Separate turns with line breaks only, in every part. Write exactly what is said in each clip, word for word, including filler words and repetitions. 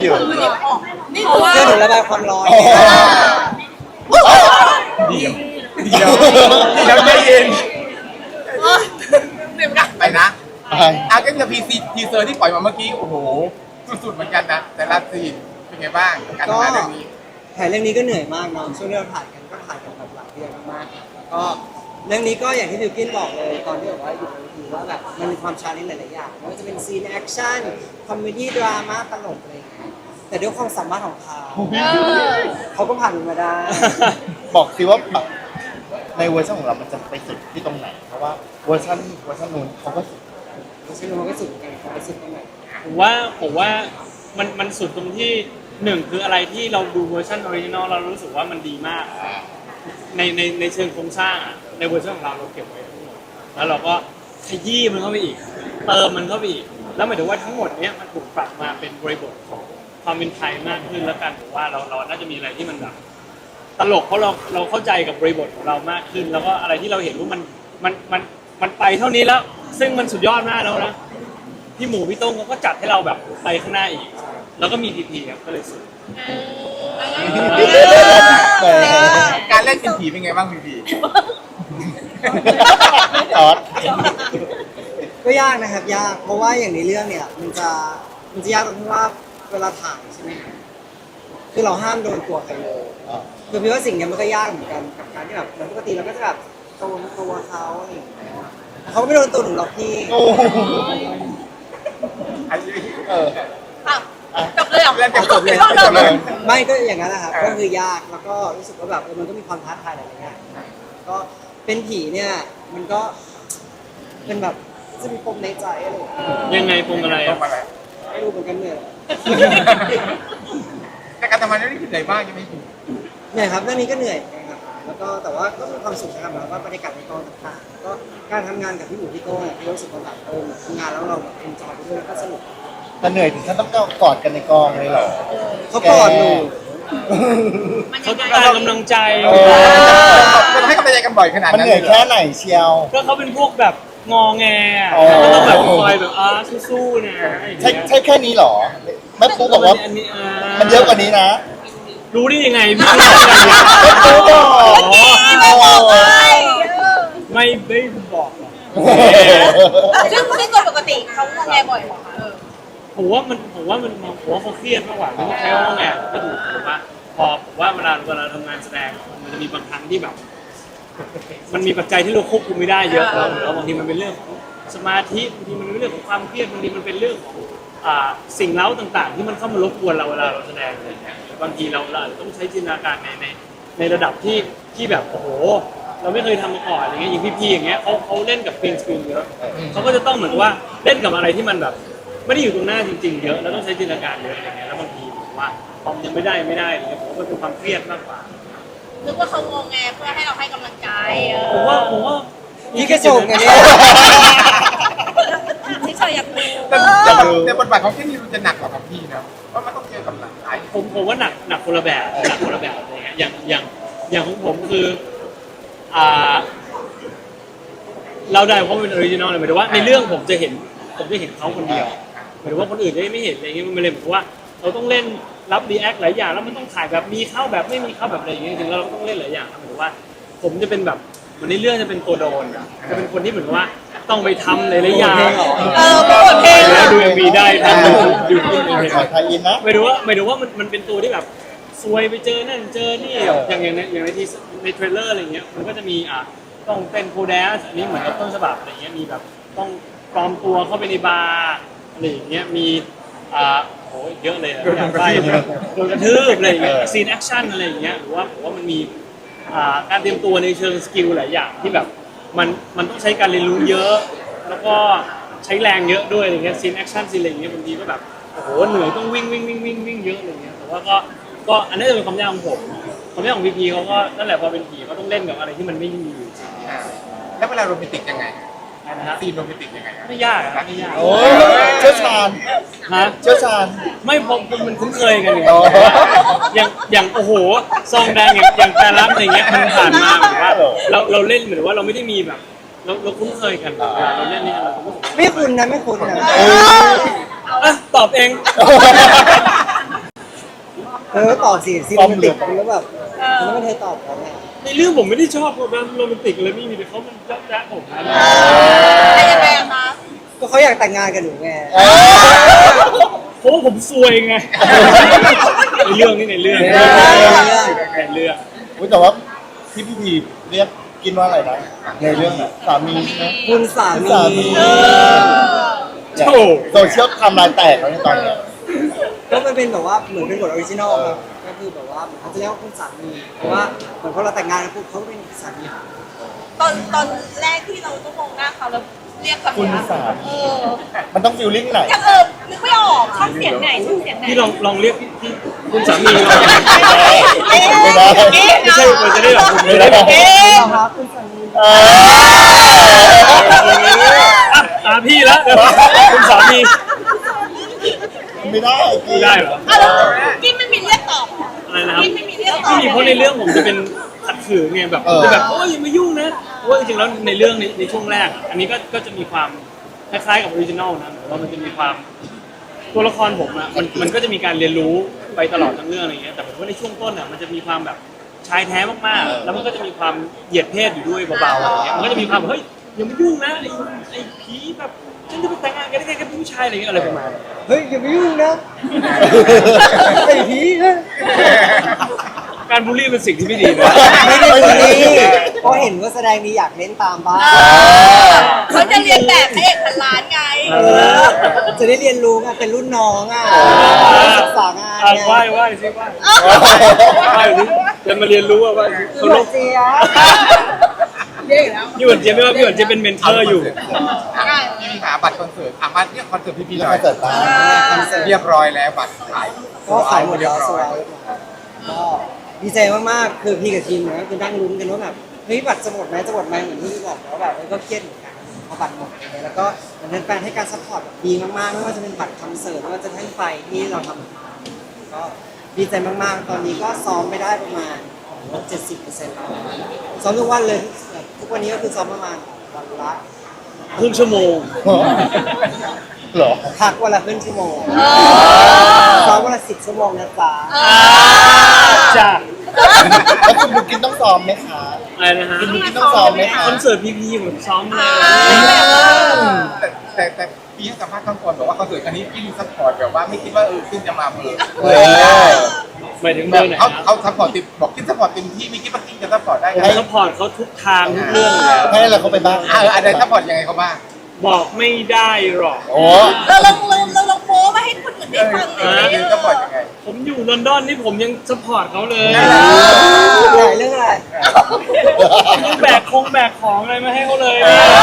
อยู่
นี่เพราะว่า
เพื่อถึงระบายความร้อน
เดี๋ยวเดี๋ยวเดี๋ยวใจเย็น
เดี๋ยวนะ
ไปนะ
ไป
อาร์เกนกับพีซีทีเซอร์ที่ปล่อยมาเมื่อกี้โอ้โหสุดๆเหมือนกันนะแต่ละซีนเป็นไงบ้างการทำงานเรื่องนี้
ถ่ายเรื่องนี้ก็เหนื่อยมากเนาะช่วงที่เราถ่ายกันก็ถ่ายกันแบบหลายเดือนมากๆก็เรื่องนี้ก็อย่างที่บิวกินบอกเลยตอนที่บอกว่าอยู่ในทีว่าแบบมันมีความชาเลนจ์หลายๆอย่างไม่ว่าจะเป็นซีนแอคชั่นคอมเมดี้ดราม่าตลกอะไรอย่างเงี้ยแต่ด้วยความสามารถของเขาเขาก็ผ่านมันมาได้
บอกสิว่าแบบในเวอร์ชันของเรามันจะไปสุดที่ตรงไหนเพราะว่าเวอร์ชันเวอร์ชันนู้นเขาก็สุด
ไม่ใช่มันก็สุดกันเขาไปสุดตรงไหน
ผมว่าผมว่ามันมันสุดตรงที่หนึ่งคืออะไรที่เราดูเวอร์ชันออริจินอลเรารู้สึกว่ามันดีมากในในในเชิงโครงสร้างอะในเวอร์ชันของเราเราเก็บไว้ทั้งหมดแล้วเราก็ขยี้มันเข้าไปอีกเติมมันเข้าไปอีกแล้วหมายถึงว่าทั้งหมดเนี้ยมันถูกปรับมาเป็นบริบทของความเป็นไทยมากขึ้นแล้วกันผมว่าเราเราน่าจะมีอะไรที่มันแบบตลกเพราะเราเราเข้าใจกับบริบทของเรามากขึ้น แล้วก็อะไรที่เราเห็นว่ามันมันมันมันไปเท่านี้แล้วซึ่งมันสุดยอดมากแล้วนะพี่หมูพี่โต้งเขาก็จัดให้เราแบบไปข้างหน้าอีกแล้วก็มีพีพีครับก็เลยสุด
การเล่นเป็นผีเป็นไงบ้างพีพี
จอด
ก็ยากนะครับยากเพราะว่าอย่างในเรื่องเนี่ยมันจะมันจะยากตรงที่ว่าเวลาถ่ายใช่ไหมครับคือเราห้ามโดนตัวใครเลยคือพี่ว่าสิ่งเนี้ยมันก็ยากเหมือนกันกับการที่แบบเหมือนปกติเราก็จะแบบโดนตัวเขาอะไรอย่างเงี้ยเขาไม่โดนตัวหนูหรอกพี่
โอ้โห
อันนี้
เออ
อ่ะจบเลยเหรอ
เล่นกันจบเลย
จบ
จบ
เล
เลย ย
ไม่ก็อย่างนั้นนะครับก็คือยากแล้วก็รู้สึกว่าแบบเออมันก็มีความท้าทายหลายๆอย่างก็เป็นผีเนี่ยมันก็เป็นแบบจะมีปมในใจอะไรอย่างเงี้ย
ยังไงปมอะไร
จ
อะ
บอะไร
ไม่รู้เหมือนกันเนี่ย
แต่การทำงานเรื่องนี้คือเหนื่อยมากใช่ไหมพี่
เหนื่อยครับเรื่องนี้ก็เหนื่อยนะครับแล้วก็แต่ว่าก็มีความสุขนะครับแล้วก็บรรยากาศในกองต่างๆแล้วก็การทำงานกับพี่หมูพี่โต้เนี่ยพี่รู้สึกว่าแบบเออทำงานแล้วเราแบบเอนจอยไปด้วยแล้วก็สนุก
แต่เหนื่อยถึงขั้นต้องกอดกันในกองเลยเหรอ
เขากอดหนู
เขาต้องการกำลังใจ
เออ
จะให้กำลังใจกันบ่อยขนาด
มัน
นั้น
เหนื่อยแค่ไหนเชียว
ก็เขาเป็นพวกแบบงอแงอะ
อ๋อ
ก็ต้องแบบคอยแบบอ่าสู้ๆนะอย่าง
ใช่
เงี้ย
ใช่แค่นี้เหรอแม่ปุ๊กบอกว่า
อันนี้อ่า
มันเยอะกว่านี้นะ
รู้ได้ยังไงพี่รู้ได้ยังไง
แม่ปุ๊กบอก
ไม่บอกเลย
ไม่ไม่บอกหรอก
ซึ่งซึ่งโดยปกติเขางอแงบ่อยเหรอคะเออ
ผมว่ามันผมว่ามันผมว่าเขาเครียดมากกว่าไม่ต้องใช้คำว่าไงก็ถูกผมว่าพอผมว่าเวลาเวลาทำงานแสดงมันจะมีบางครั้งที่แบบ มันมีปัจจัยที่เราควบคุมไม่ได้เยอะแล้วแล้วบางทีมันเป็นเรื่องของสมาธิบางทีมันเป็นเรื่องของความเครียดบางทีมันเป็นเรื่องของอ่าสิ่งเล้าต่างๆ ที่มันเข้ามารบกวนเราเวลาเราแสดงอะไรอย่างเงี้ยบางทีเราเราอาจจะต้องใช้จินตนาการในในในระดับที่ที่แบบโอ้โหเราไม่เคยทำมาก่อนอย่างเงี้ยอย่างพี่ๆอย่างเงี้ยเขาเขาเล่นกับกรีนสกรีนเยอะเขาก็จะต้องเหมือนว่าเล่นกับอะไรที่มันแบบไม่ได้อยู่ตรงหน้าจริงๆเยอะแล้วต้องใช้จินตนาการเยอะอะไรเงี้ยแล้วบางทีผมว่าพอมยังไม่ได้ไม่ได้อะไรเงี้ยผมว่ามันเป็นความเครียดมากกว่า
นึกว่าเขางอแงเพื่อให้เราให้กำลังใจเอ
ผม
อ
ว่าผมว่า
นี่กระจกไงเนี่ย
ที่เฉยอยากดู
แต่แต่บทบาทของที่นี่มันจะหนักกว่าของพี่นะเพราะมันต้องเจอกับหลาย
ผมผมว่าหนักหนักคนละแบบหนักคนละแบบอะไรเงี้ยอย่างอย่างอย่างของผมคืออ่าเราได้เพราะมันเป็นออริจินอลเลยหมายถึงว่าในเรื่องผมจะเห็นผมจะเห็นเขาคนเดียวหมายถึงว่าคนอื่นจะไม่เห็นอะไรเงี้ยมันเลยเหมือนว่าเราต้องเล่นรับรีแอคหลายอย่างแล้วมันต้องถ่ายแบบมีเข้าแบบไม่มีเข้าแบบอะไรอย่างเงี้ยจริงๆแล้วเราก็ต้องเล่นหลายอย่างหมายถึงว่า ผมจะเป็นแบบเหมือนในเรื่องจะเป็นตัวโดนอะจะเป็นคนที่เหมือนว่าต้องไปทำหลายๆอย่าง
เออโปรโมทเพลง
แล้วดูเอ็มวีได้ทำดูดูดูดู
ขอไทยอินนะ
หมายถึงว่าหมายถึงว่ามันมันเป็นตัวที่แบบซวยไปเจอนั่นเจอนี่อย่างอย่างในอย่างในทีในเทรลเลอร์อะไรเงี้ยมันก็จะมีอ่ะต้องเป็นโคแดสอันนี้เหมือนกับต้นฉบับอะไรเงี้ยมีแบบต้องปลอมตัวเข้าไปในบาร์อะไรอย่างเงี้ยมีอ่าโหเยอะเลยอะอยากไปโดนกระทืบอะไรอย่างเงี้ยซีนแอคชั่นอะไรอย่างเงี้ยหรือว่าผมว่ามันมีอ่าการเตรียมตัวในเชิงสกิลหลายอย่างที่แบบมันมันต้องใช้การเรียนรู้เยอะ แล้วก็ใช้แรงเยอะด้วยอะไรเงี้ยซีนแอคชั่นซีนอะไรอย่างเงี้ยบางทีก็แบบโอ้โหเหนื่อยต้องวิ่งวิ่งวิ่งวิ่งวิ่งเยอะอะไรเงี้ยแต่ว่าก็ก็อันนี้จะเป็นความยากของผมความยากของพีพีเขาก็นั่นแหละพอเป็นผีเขาต้องเล่นกับอะไรที่มันไม่มีอยู่จริง
ๆแล้วเวลาโรแมนติกยังไง
นะฮะ
ซีนโรแมนติกยังไง
ไม่ยากอะไม่ยาก
โอ้ยเชี่ยวชาญ
ฮะ
เชี่ยวชาญ
ไม่พอมันคุ้นเคยกันไง
อ๋อ
อย่างอย่างโอ้โหซองแดงอย่างอย่างแต่ละอะไรเงี้ยมันผ่านมาเหมือนว่าเราเราเล่นเหมือนว่าเราไม่ได้มีแบบเราเราคุ้นเคยกันเวลาเราเล่นนี่เราคุ้นเคย
ไม่คุณนะไม่คุณนะ
อ่ะตอบเอง
เออตอบสิซีโรแมนติกมันก็แบบมันไม่เคยตอบเขาไง
ในเรื่องผมไม่ได้ชอบแบบโรแมนติกเลยไม่มีแต่เขามันจ๊ะจ๊ะผมนะ
แต่ยังไงอะคะ
ก็เขาอยากแต่งงานกับหนูไง
เพราะว่าผมซวยไงในเรื่องนี่ในเรื่องในเรื่อง
อุ๊ยแต่ว่าพี่พี่พีเรียกกินว่าอะไรนะในเรื่องน่ะสามีใช่ไหม
คุณสา
คุณ
มี
สามี
โอ้
โซเชียลทำลายแตกแล้วในตอนเนี้ย
ก็มันเป็นแบบว่าเหมือนเป็นบทออริจินอลครับก็คือแบบว่าเขาจะเรียกว่าคุณสามีเพราะว่าเหมือนพอเราแต่งงานกันปุ๊บเขาเป็นสามี
ตอนตอนแรกที่เราต้องมองหน้าเขาแล้วเรียกคำ
คุณ
นี้
สา
เอ
มี
อ
มันต้องฟิลลิ่งไหน
ยังเออนึกไม่ออกช่องเสียงไหนช่องเสียงไหน
พี่ลองลองเรียกพี่พี่คุณสามีลอง
เอ๊ะ
ไม่ได้
เอ๊ะ
ไม่ใช่มันจะได้แบบคุณไม่ได้
เอ๊ะ
ครับคุณสามี
เออ
อ่ะตามพี่แล้วเดี๋ยวคุณสามี
ไม่ได้กิน
ได้เหรอ
อ่ะแล้วกินไม่มีเรียกตอบ
อะไรนะครับ
กินไม่มีเรียกตอบ
ไม่มีเพราะในเรื่องผมจะเป็นขัดขืนไงแบบจะแบบโอ้ยอย่ามายุ่งนะเพราะว่าจริงๆแล้วในเรื่องในในช่วงแรกอะอันนี้ก็ก็จะมีความคล้ายๆกับออริจินอลนะแต่ว่ามันจะมีความตัวละครผมอะมันมันก็จะมีการเรียนรู้ไปตลอดทั้งเรื่องอะไรเงี้ยแต่ผมว่าในช่วงต้นอะมันจะมีความแบบชายแท้มากๆแล้วมันก็จะมีความเหยียดเพศอยู่ด้วยเบาๆอะไรเงี้ยมันก็จะมีความเฮ้ยอย่ามายุ่งนะไอ้ไอ้ผีแบบฉันจะไปแต่งงานกันได้ไงกับผู้ชายอะไรเงี้ยอะไรประมาณนี้
เฮ้ยอย่าไปยุ่งนะไอ้ผีนะ
การบูลลี่เป็นสิ่งที่ไม่ดีนะ
ไม่ได้คนนี้เพราะเห็นว่าแสดงดีอยากเล่นตามบ้าง
เขาจะเรียนแบบพระเอกพันล้านไง
เออจะได้เรียนรู้ไงเป็นรุ่นน้องอ่ะศึกษางาน
อ่ะ
ไง
ไหว้ไหว้สิไหว้ไหว้สิจะมาเรียนรู้ว่าว่า
พี่
เขา
ห
ล
วาน
บ
เจี๊ยบ
พี่หวนเจี๊ยบไม่ว่าพี่หวนเจี๊ยบเป็นเมนเทอร์อยู่
พี่หาบัตรคอนเสิร์ตอ่ะมาเรียกคอนเสิร์ตพี่พี่ห
แล้ว
น่อ
ก็
ย
เกิดตาม
คอนเสิร์ต
เรียบร้อยแล้วบัตรขาย
ก็ขายหมด
เรีย
แล้
บ
ว
ร้
ส
อย
วยก็ดีใจมากๆ คือพี่กับทีมเนี่ยก็คือนั่งลุ้นกันว่าแบบเฮ้ยบัตรจะหมดไหมจะหมดไหมเหมือนที่พี่บอกแล้วแบบเออก็เครียดเหมือนกันพอบัตรหมดอะไรเงี้ยแล้วก็เหมือนแฟนๆให้การซัพพอร์ตแบบดีมากๆไม่ว่าจะเป็นบัตรคอนเสิร์ตไม่ว่าจะทั้งไฟที่เราทำก็ดีใจมากๆ ตอนนี้ก็ซ้อมไปได้ประมาณเจ็ดสิบเปอร์เซ็นต์แล้วซ้อมทุกวันเลยแบบทุกวันนี้ก็คือซ้อมประมาณวันละ
ครึ่งชั่วโมง
เหรอ
พักวันละครึ่งชั่วโมงซ้อมวันละสิบชั่วโมงนะจ๊ะ
จ้า
แล้วคุณบุกินต้องซ้อมไหมคะ
อะไรนะฮะ
คุณบุกินต้องซ้อมไหมคะ
คอนเสิร์ตพีพีผมซ้อมเลย
แต่แต่แต่พี่ให้สัมภาษณ์ข้างก่อนบอกว่าคอนเสิร์ตอันนี้พี่ซัพพอร์ตแบบว่าไม่คิดว่าเออขึ้นจะมาเบอร์
เออ
หมายถึงเบ
แบ
อบ ร์ไหน
เขา
นะ
เขาซัพพอร์ตติดบอกคิดซัพพอร์ตเต็มที่ไม่คิดว่าคิดจะซัพพอร์ตได้
ผม
ไง
ซัพพอร์ตเขาทุกทางทุกเรื่องเลย
ให้อะไรเขาไปบ้าง
เอออะไรซัพพอร์ตยังไงเขาบ้าง
บอกไม่ได้หรอก
โอ้
เราลองเราเราลองโม้มาให้คนอื่นได้ฟังหน่อย
เออซัพพอร์ตยังไง
ผมอยู่ลอนดอนนี่ผมยังซัพพอร์ตเขาเลย
ใหญ่เรื่องอะไร
ยังแบกคงแบกของอะไรมาให้เขาเลย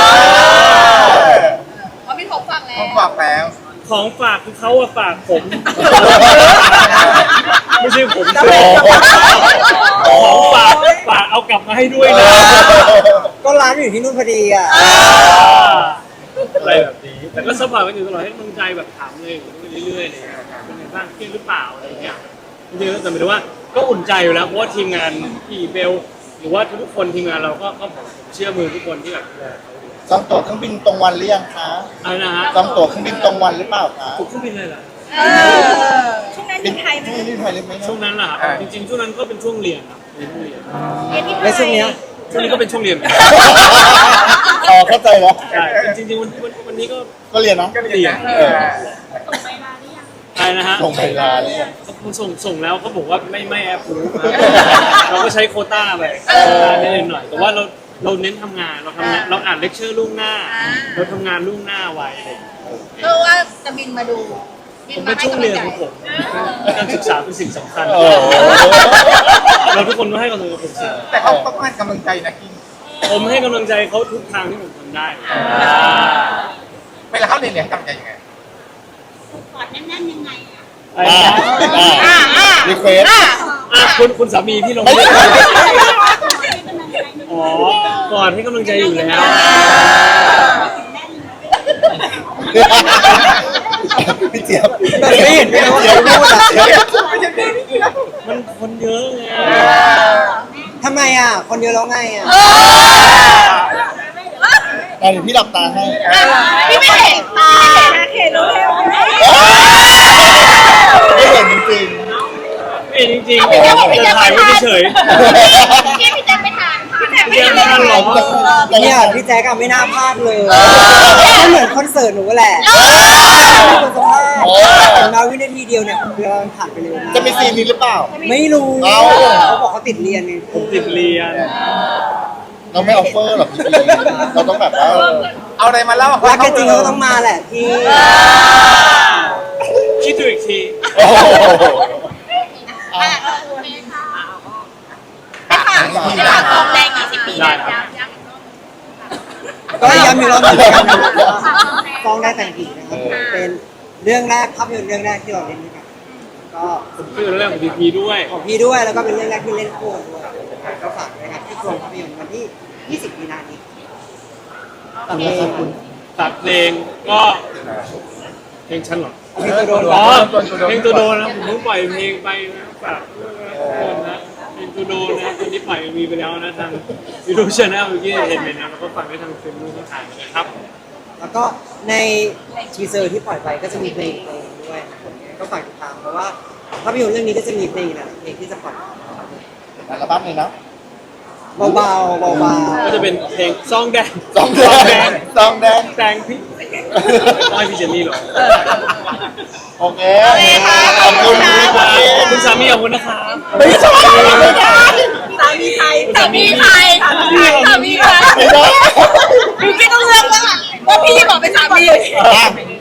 เขามีของฟังแล้
เขา
ว
ฝากแล้ว
ของฝากคือเขาอะฝากผม ไม่ใช่ผม
จะ
เสี
ไป
ยของฝากฝากเอากลับมาให้ด้วยนะ
ก็ร้านอยู่ที่นู่นพอดีอ่ะ
อะไรแบบนี้ แต่ก็ซัพพอร์ตกันอยู่ตลอดให้กำลังใจแบบถามเลยเรื่อยๆเลยเป็นไงบ้างเครียดหรือเปล่าอะไรอย่างเงี้ยจริงๆแต่หมายถึงว่าก็อุ่นใจอยู่แล้วเพราะว่าทีมงานพี่เบลหรือว่าทุกคนทีมงานเราก็ก็ผมเชื่อมือทุกคนที่แบบ
จองตั๋วเครื่องบินตรงวันหรือยังคะ
อะไรนะฮะ
จองตั๋วเครื่องบินตรงวันหรือเปล่าคะ
ผมเครื่องบินเลยเหรอ
เออช่วงนั้นอยู่ไทยไหม
ที่นี่ไทยหรือไม่
ช่วงนั้นล่ะครับจริงๆช่วงนั้นก็เป็นช่วงเรียนครับเรียนช่วงเรียน
เอ็นที่ไท
แล้วช่วงเนี้ย
ช่วงนี้ก็เป็นช่วงเรียนเหมือนกัน
อ๋อเข้าใจแล้ว
ใช่จริงๆวันวันวันนี้ก็
ก็เรียนเนาะ
ก็เรียน
เออ
อะไรนะฮะ
ส่งไปลาเนี่ย
เขาส่งส่งแล้วเขาบอกว่าไม่ไม่แอปรู้เราก็ใช้โควต้าไปนิดหน่อยแต่ว่าเราเราเน้นทำงานเราทำงานเราอ่านเลคเชอร์ล่วงหน้า เราทำงานล่วงหน้าไว้อะไรอย่างเงี้ย
เพื่อว่าจะบินมาดูบิ
ผม
มา
เป็น
ให้
ช่วง
กำลั
เรี
ง
ยน
ใจ
ของผมการศึกษาเป็นสิ่งสำคัญ
โอ้
เราทุกคนต้องให้กำลังใจผมสิ
แต่เขาต้องให้กำลังใจนะกิน
ผมให้กำลังใจเขาทุกทางที่ผมทำได้
เวลาเขาเรียนเนี่ยให้กำลังใจยังไง
อะไรนะ
อ่าอ่ารีเควส
อ่ะคุณคุณสามีพี่ลง
ไม่
ไม่
ใช่
ได้อ๋อก่อนให้กำลังใจอยู่แล้ว
พี่เจี๊ยบ
แต่ไม่เห็นเลยว่าเขาพูดอ่ะ
มันคนเยอะไง
ทำไมอ่ะ คนเดียวแล้วไงอ่ะ
อ่ะเดี๋ยวพี่หลับตาให้
พี่ไม่เห็นตาเห็นรู้เลย
ไม่เห็นจริง
ไม่ปิดจริงๆ
พี่แจ๊คบอกพี่
จะ
แจ๊ค
ถ่าย
ไม่
ไว้
ทาน
เฉย
พี่พี่แจ๊คไม่ทานพี่แจ๊ค
ๆ
ไม่
เรียน
ทาน
ทันหรอ
เนี่ยพี่แจ๊กอะไม่น่าพลาดเลยก็เหมือนคอนเสิร์ตหนูแหละคนสภาพแต่มาวินาทีเดียวเนี่ยเวลามันผ่านไปเร็วมาก
จะมีซีนนี้หรือเปล่า
ไม่รู้
เอ้า
เขาบอกเขาติดเรียนไง
ผมติดเรียน
เราไม่ออฟเฟอร์หรอกพี่เราต้องแบบว่า
เอาอะไรมาเล่า
รักกันจริงเขาต้องมาแหละพี่
คิดดูอีกที
โอ้โห
อ่ะให้ฝากทองแดงยี่สิบปี
ได้
นะครับ
ก็ย้ำอีกรอบหนึงนะครับฟ้องได้แต่งผีนะครับเป็นเรื่องแรกภาพยนตร์เรื่องแรกที่เราเล่นด้วยกันก็
คือเรื่องของพีพีด้วย
ของพี่ด้วยแล้วก็เป็นเรื่องแรกที่เล่นคู่กันด้วยก็ฝากด้วยนะครับที่โรงภาพยนตร์วันที่ยี่สิบมีนาคมนี้
ตามนี้ครับคุณ
ตัดเพลงก็เพลงฉันเหรอ
เพลงตัวโดน
อ๋อเพลงตัวโดนนะผมเพิ่งปล่อยเพลงไปนะฝากด้วยนะทุกคนนะเพลงตัวโดนนะตอนนี้ปล่อยมีไปแล้วนะทางยูทูบช anel เมื่อกี้เห็นไปนะแล้วก็ฝากไว้ทางเฟซบุ๊กทางนะครับ
แล้วก็ในทีเซอร์ที่ปล่อยไปก็จะมีเพลงเพลงด้วยนะครับก็ฝากติดตามเพราะว่าภาพยนตร์เรื่องนี้ก็จะมีเพลงนะเพลงที่จะปล่อย
อัลบั้มเลยนะ
เบาๆเบาๆ
ก็จะเป็นเพลงซองแดง
ซองแดงซองแดง
แดงพี่ไม่พี่เจนนี่หรอ
โอเคขอบคุณพี่
ข
คุ
อบคุณสามีขอบคุณนะครับ
ไม่ใช่
สามีใครสามีใครสามีใคร
ไม่ได้
พี่ต้องเลือกแล้วว่าพี่บอกเป็นสามี
อ่ะ